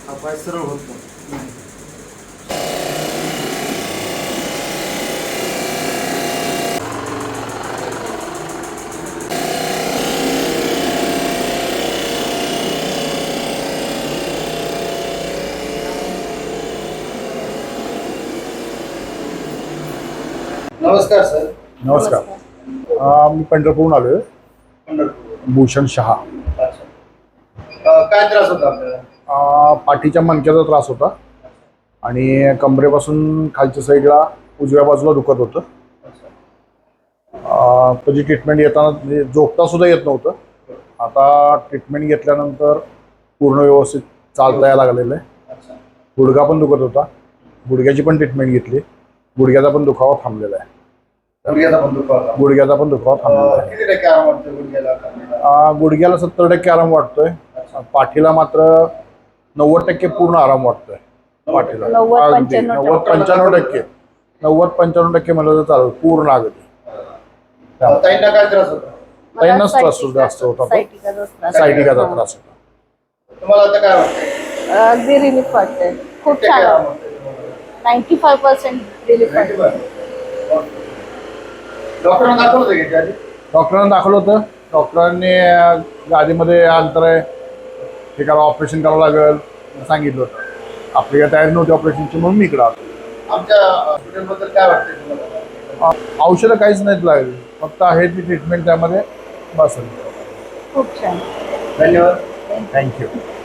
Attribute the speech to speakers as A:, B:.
A: हा पाय सरळ होत नाही. नमस्कार सर.
B: नमस्कार. मी पंढरपूरहून आलो आहे.
A: पंढरपूर.
B: भूषण शहा.
A: अच्छा. काय त्रास होता आपल्याला?
B: पाठीच्या मणक्याचा त्रास होता आणि कमरेपासून खालच्या साईडला उजव्या बाजूला दुखत होतं. त्याची ट्रीटमेंट येताना म्हणजे झोपता सुद्धा येत नव्हतं. आता ट्रीटमेंट घेतल्यानंतर पूर्ण व्यवस्थित चालता यायला लागलेलं आहे. गुडघा पण दुखत होता, गुडघ्याची पण ट्रीटमेंट घेतली. गुडघ्याचा पण दुखावा थांबलेला आहे. गुडघ्याचा पण दुखावा थांबलेला आहे.
A: किती टक्के आराम वाटतो गुडघ्याला?
B: गुडघ्याला 70% आराम वाटतोय. पाठीला मात्र 90% पूर्ण आराम वाटतोय. पाठीला 90-95%. 90-95% म्हणलं तर चालेल. पूर्ण अगदी.
A: ताईंना काय त्रास होता?
B: ताईंनाच त्रास जास्त होता. सायटिकाचा त्रास होता.
A: तुम्हाला आता काय वाटतंय?
C: अगदी रिलीफ वाटतंय. खूप
A: किती
C: छान
A: टक्के आराम
C: वाटतंय.
A: वाटतोय?
C: 95% रिलीफ वाटतंय.
A: डॉक्टरांना दाखवलं होतं की आधी?
B: डॉक्टरांना दाखवलं होतं. डॉक्टरांनी गादीमध्ये अंतर आहे, हे करा, ऑपरेशन करावं लागेल सांगितलं होतं. आपली काय तयारी नव्हती ऑपरेशनची, म्हणून मी इकडं आलो.
A: आमच्या हॉस्पिटलबद्दल काय वाटतंय तुम्हाला?
B: औषधं काहीच नाहीत लागली, फक्त आहे ती ट्रीटमेंट त्यामध्ये बस.
C: खूप छान.
A: धन्यवाद.
B: थँक्यू.